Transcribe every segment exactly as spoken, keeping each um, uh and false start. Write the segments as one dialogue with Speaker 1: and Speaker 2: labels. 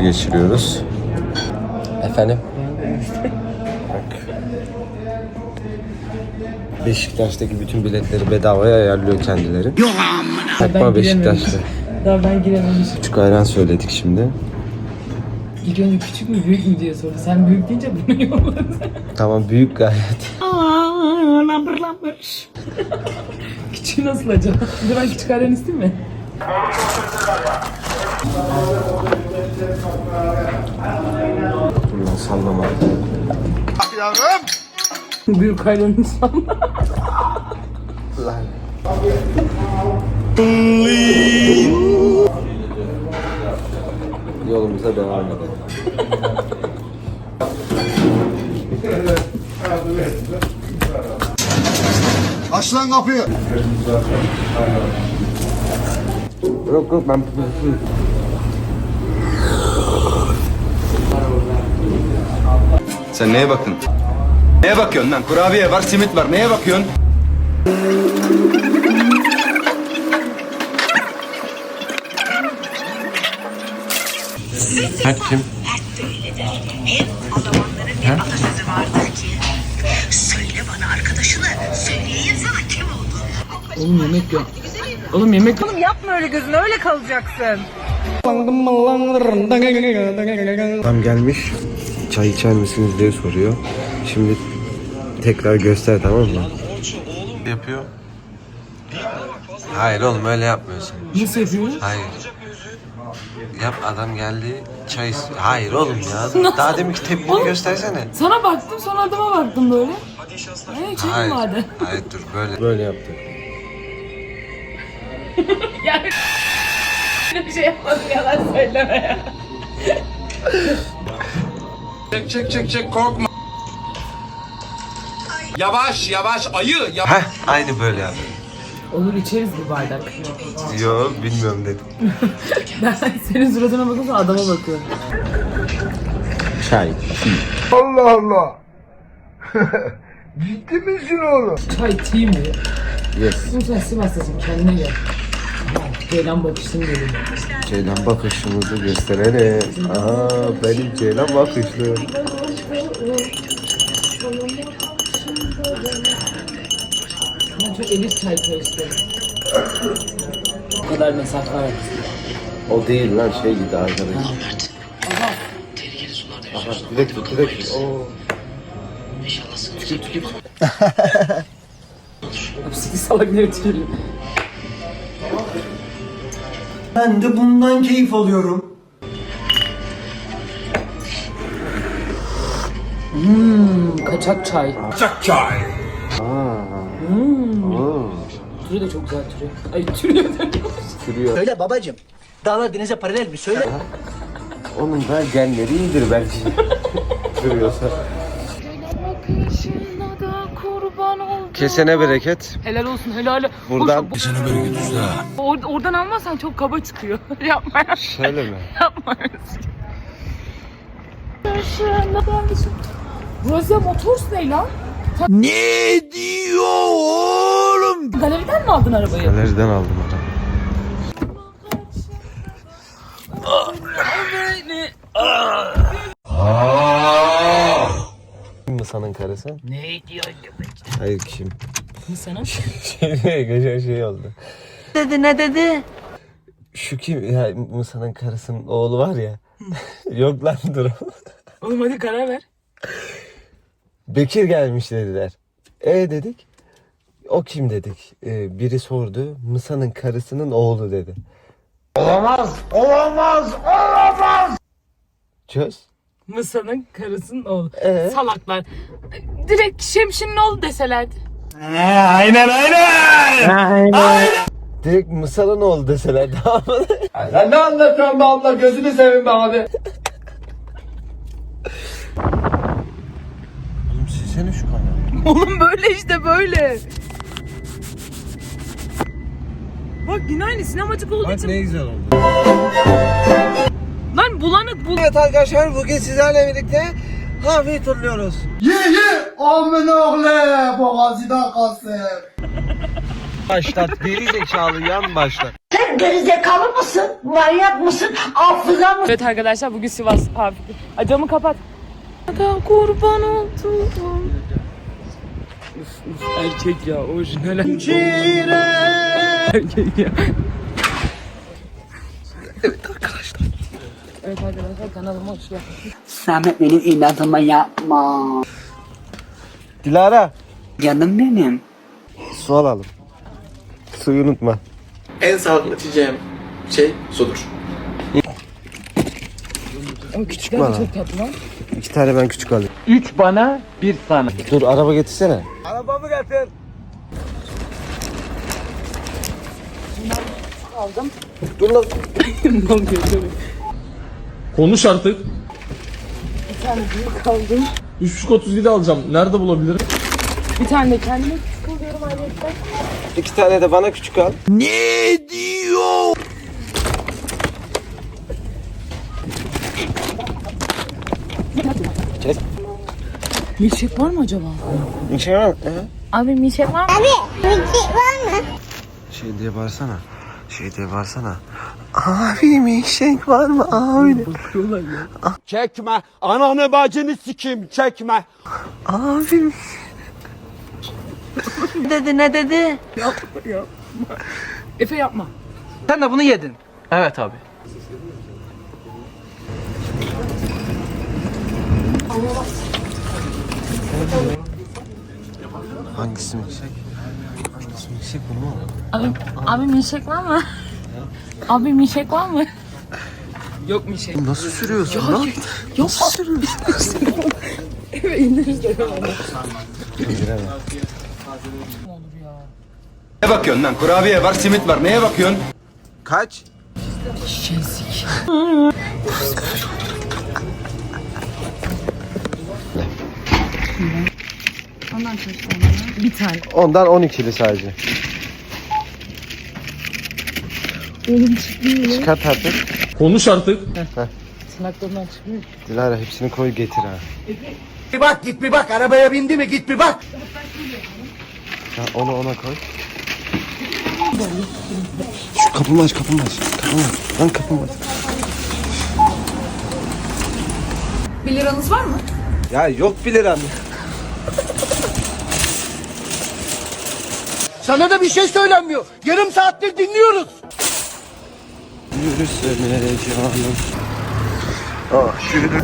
Speaker 1: geçiriyoruz. Efendim? Bak. Beşiktaş'taki bütün biletleri bedavaya ayarlıyor kendileri. Takma Beşiktaş'ta.
Speaker 2: Daha ben girememişim.
Speaker 1: Küçük ayran söyledik şimdi.
Speaker 2: İlk önce küçük mü büyük mü diye sordu. Sen büyük deyince bunu yolladın.
Speaker 1: Tamam, büyük gayet.
Speaker 2: Aaa lambır lambır. Küçüğü nasıl acaba? Bir de ben küçük ayran isteyeyim mi?
Speaker 1: Bundan sallama.
Speaker 3: Yavrum.
Speaker 2: Büyük ayranı salla.
Speaker 1: Lan. Yolumuza devam edelim.
Speaker 3: Aç lan kapıyı.
Speaker 1: Yok yok, ben...
Speaker 4: Sen neye bakın? Neye bakıyorsun lan? Kurabiye var, simit var. Neye bakıyorsun?
Speaker 1: Ha, kim?
Speaker 5: Hem o zamanların bir atasözü vardır ki söyle bana arkadaşını, söyleyeyim sana kim oldu.
Speaker 2: Oğlum yemek yok. Oğlum yemek yok.
Speaker 6: Oğlum yapma öyle gözüne, öyle kalacaksın.
Speaker 1: Adam gelmiş, çay içer misiniz diye soruyor. Şimdi tekrar göster, tamam mı? Yapıyor. Hayır oğlum, öyle yapmıyorsun.
Speaker 2: Nasıl yapıyorsun?
Speaker 1: Hayır. Yap, adam geldi, çay is- Hayır oğlum ya. Daha demin ki tepkini göstersene.
Speaker 2: Sana baktım sonra adama baktım böyle. Hey çayım
Speaker 1: Hayır.
Speaker 2: vardı.
Speaker 1: Hayır dur, böyle. Böyle yaptı.
Speaker 2: Yani bir şey yapmadım, yalan söyleme ya.
Speaker 7: Çek çek çek çek, korkma. Yavaş yavaş ayı. Ya
Speaker 1: Heh, aynı böyle yaptı.
Speaker 2: Olur, içeriz bir bardak.
Speaker 1: Yo, bilmiyorum dedim.
Speaker 2: Ben senin suratına bakıyorum, adama bakıyorum.
Speaker 1: Çay.
Speaker 3: Allah Allah. Ciddi misin oğlum?
Speaker 2: Çay tea mi?
Speaker 1: Yes.
Speaker 2: Oğlum sen Sivas'tasın, kendine gel. Ceylan bakışsın dedim.
Speaker 1: Ceylan bakışımızı gösterelim. Aha, benim Ceylan bakışlı.
Speaker 2: Ben çok elit çay karıştırıyorum. Bu kadar mesafe var.
Speaker 1: O değil lan, şey gibi arkadaş.
Speaker 2: Aha.
Speaker 1: Aha, direkt tut, direkt tut. Oo. Tükür tükür.
Speaker 2: Hapsiki salak ne ötüyorum.
Speaker 8: Ben de bundan keyif alıyorum.
Speaker 2: Hmm, kaçak çay.
Speaker 7: çak çay.
Speaker 2: Hmm.
Speaker 1: Oo.
Speaker 2: Türü de çok güzel türü. Ay türüyor diyormuş.
Speaker 1: Sürüyor.
Speaker 8: Söyle babacım. Dağlar denize paralel mi? Söyle.
Speaker 1: Onun da genleri iyidir belki. Duruyorsa. Kesene bereket.
Speaker 2: Helal olsun, helal.
Speaker 1: Buradan.
Speaker 7: Kesene bereket usta.
Speaker 2: Or oradan almazsan çok kaba çıkıyor. Yapma ya.
Speaker 1: Şöyle mi?
Speaker 2: Yapma. Burası Motors ne lan?
Speaker 3: Ne diyor oğlum?
Speaker 2: Galeriden mi aldın arabayı?
Speaker 1: Galeriden aldım adam. Kim Mısa'nın karısı?
Speaker 2: Ne diyor?
Speaker 1: Hayır, kim?
Speaker 2: Sana?
Speaker 1: Şey, geçen şey oldu.
Speaker 6: Dedi ne dedi?
Speaker 1: Şu kim ya, Mısa'nın karısının oğlu var ya. Yok lan, dur.
Speaker 2: Oğlum hadi karar ver.
Speaker 1: Bekir gelmiş dediler. E dedik. O kim dedik. Ee, biri sordu. Mısa'nın karısının oğlu dedi.
Speaker 3: Olamaz, olamaz, olamaz.
Speaker 1: Çöz.
Speaker 2: Mısa'nın karısının oğlu.
Speaker 1: Ee?
Speaker 2: Salaklar. Direkt Şemşin'in oğlu deselerdi.
Speaker 3: Aynen aynen.
Speaker 1: Direkt Mısa'nın oğlu deseler daha mı?
Speaker 3: Sen ne anlatıyorsun be abla, gözünü seveyim be abi.
Speaker 1: Oğlum silsene şu kamerayı.
Speaker 2: Oğlum böyle işte böyle. Bak yine aynı sinemacık olduğu
Speaker 1: Bak
Speaker 2: için.
Speaker 1: ne güzel oldu.
Speaker 2: Lan bulanık bul.
Speaker 1: Evet arkadaşlar, bugün sizlerle birlikte kahve turluyoruz.
Speaker 3: Ye ye. Amin oğlu. Boğazıdan kalsın.
Speaker 1: Başlat geri zekalı yan başlat.
Speaker 5: Sen gerizekalı mısın? Manyak mısın? Hafıza mısın?
Speaker 2: Evet arkadaşlar bugün Sivas abi. Ay, camı kapat. Da kurban oldum. Uf, uf, erkek ya orijinal. Erkek ya. Evet arkadaşlar. Evet arkadaşlar kanalıma hoş geldiniz.
Speaker 8: Samet benim inadıma yapma.
Speaker 1: Dilara.
Speaker 8: Canım benim.
Speaker 1: Su alalım. Suyu unutma.
Speaker 7: En sağlıklı içeceğim şey sudur.
Speaker 2: Ama küçükler
Speaker 1: bana.
Speaker 2: de çok tatlı lan.
Speaker 1: İki tane ben küçük alayım.
Speaker 8: Üç bana, bir sana.
Speaker 1: Dur araba getirsene.
Speaker 8: Arabamı getir.
Speaker 2: Aldım.
Speaker 1: Dur lan.
Speaker 9: Konuş artık.
Speaker 2: Bir tane büyük aldım.
Speaker 9: üç buçuk otuz yedi alacağım. Nerede bulabilirim?
Speaker 2: Bir tane de kendime küçük alıyorum ayrıca.
Speaker 1: İki tane de bana küçük al.
Speaker 3: Ne diyor?
Speaker 2: Milkshake var mı acaba?
Speaker 1: Bir şey var mı?
Speaker 2: Abi milkshake var mı?
Speaker 1: Şey diye bağırsana. Şey diye bağırsana. Abi milkshake var mı abi?
Speaker 3: Çekme. Ananı bacını sikim. Çekme.
Speaker 1: Abi.
Speaker 6: Ne dedi ne dedi?
Speaker 2: Efe yapma.
Speaker 8: Sen de bunu yedin. Evet abi.
Speaker 1: Hangisi milkshake? Hangisi milkshake bu mu?
Speaker 2: Abi, abi milkshake var mı? Abi milkshake var mı? Yok milkshake.
Speaker 1: Nasıl sürüyorsun lan?
Speaker 2: Yok. Nasıl sürüyorsun? Evet indiririz de.
Speaker 1: İndiremem.
Speaker 4: Ne bakıyorsun lan? Kurabiye var, simit var. Neye bakıyorsun?
Speaker 1: Kaç?
Speaker 2: Şensik. Ondan kaç tane? Bir tane.
Speaker 1: Ondan on ikili sadece.
Speaker 2: Oğlum çıkmıyor.
Speaker 1: Çıkart artık.
Speaker 9: Konuş artık.
Speaker 2: Tırnaklarından çıkmıyor.
Speaker 1: Dilara hepsini koy getir ha.
Speaker 8: Bir bak git bir bak arabaya bindi mi git bir bak.
Speaker 1: Ya onu ona koy. Şu kapımı aç kapımı aç. Kapımı aç. Lan kapımı aç.
Speaker 2: Bir liranız var mı?
Speaker 1: Ya yok bir liram.
Speaker 8: Sana da bir şey söylenmiyor. Yarım saattir dinliyoruz.
Speaker 1: Yürüsene canım. Ah yürü.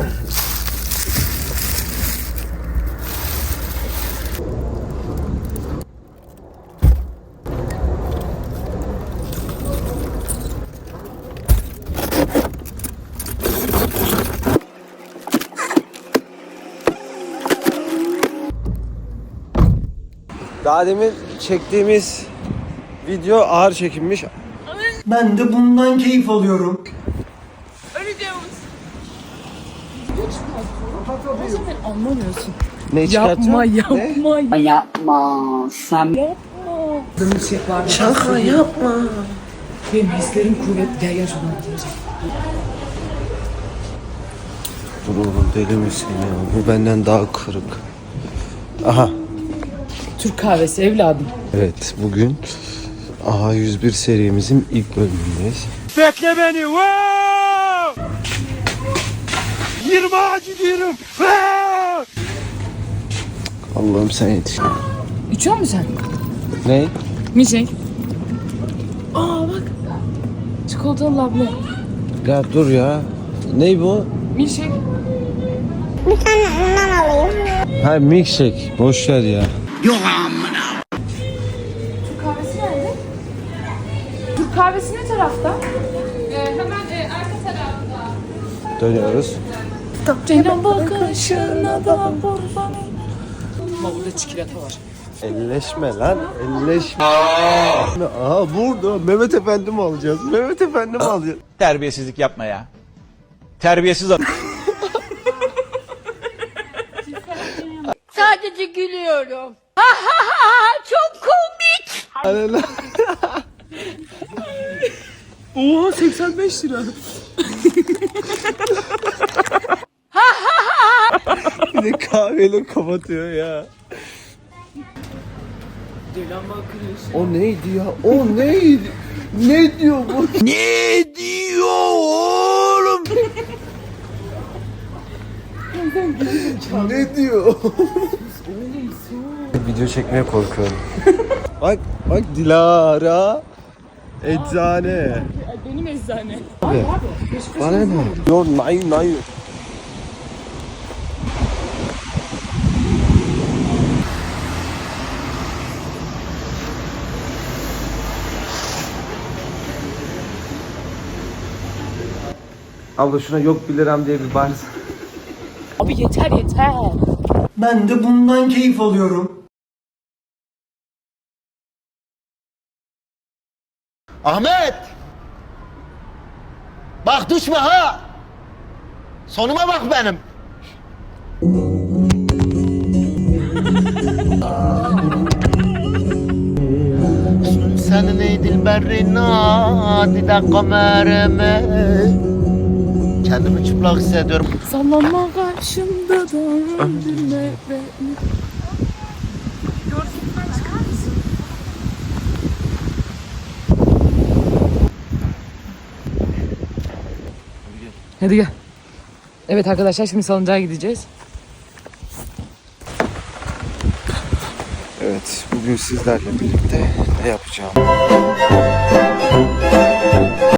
Speaker 1: Daha demin çektiğimiz video ağır çekilmiş.
Speaker 8: Ben de bundan keyif alıyorum.
Speaker 2: Sen anlamıyorsun.
Speaker 1: Ne çıkartıyor?
Speaker 2: Yapma yapma.
Speaker 1: Ne?
Speaker 8: Yapma. Sen
Speaker 2: Yapma. Milkshake var. Şaka yapma. Benim hislerim kuvvetli. Gel gel şuradan.
Speaker 1: Dur oğlum deli misin ya? Bu benden daha kırık. Aha.
Speaker 2: Türk kahvesi evladım.
Speaker 1: Evet bugün A yüz bir serimizin ilk bölümündeyiz.
Speaker 3: Bekle beni. Wow! yirmi ağacı diyorum. Wow!
Speaker 1: Allah'ım sen yetiş.
Speaker 2: İçiyor musun sen?
Speaker 1: Ne?
Speaker 2: Milkshake. Aa bak. Çikolatalı labne.
Speaker 1: Ya dur ya. Ne bu?
Speaker 2: Milkshake.
Speaker 1: Ha milkshake. Boş ver ya.
Speaker 2: Türk kahvesi nerede? Türk kahvesi ne tarafta? hemen e, arka tarafta.
Speaker 1: Dönüyoruz.
Speaker 2: Senin bakışına da kurbanım. Ama burada çikolata var.
Speaker 1: Elleşme lan. Elleşme. Aha burada Mehmet Efendi mi alacağız? Mehmet Efendi mi alacağız?
Speaker 3: Terbiyesizlik yapma ya. Terbiyesiz adam.
Speaker 6: Sadece gülüyorum. Ha ha ha ha çok komik.
Speaker 2: Oha seksen beş lira.
Speaker 1: Bir de kahveyle kapatıyor ya. O neydi ya? O neydi? Ne diyor bu?
Speaker 3: Ne diyor oğlum?
Speaker 1: Ne diyor? Video çekmeye korkuyorum. Bak bak Dilara. Eczane.
Speaker 2: Benim eczane.
Speaker 1: Bana ne? Yo nay nay. Abla şuna yok bir liram diye bir bağırsın.
Speaker 2: Abi yeter yeter.
Speaker 8: Ben de bundan keyif alıyorum. Ahmet! Bak düşme ha! Sonuma bak benim. Senin ey dilberin adide kamerime. Kendimi çıplak hissediyorum.
Speaker 2: Sallanma karşımda döndürme beni. Hadi gel. Evet arkadaşlar şimdi salıncağa gideceğiz.
Speaker 1: Evet, bugün sizlerle birlikte ne yapacağım?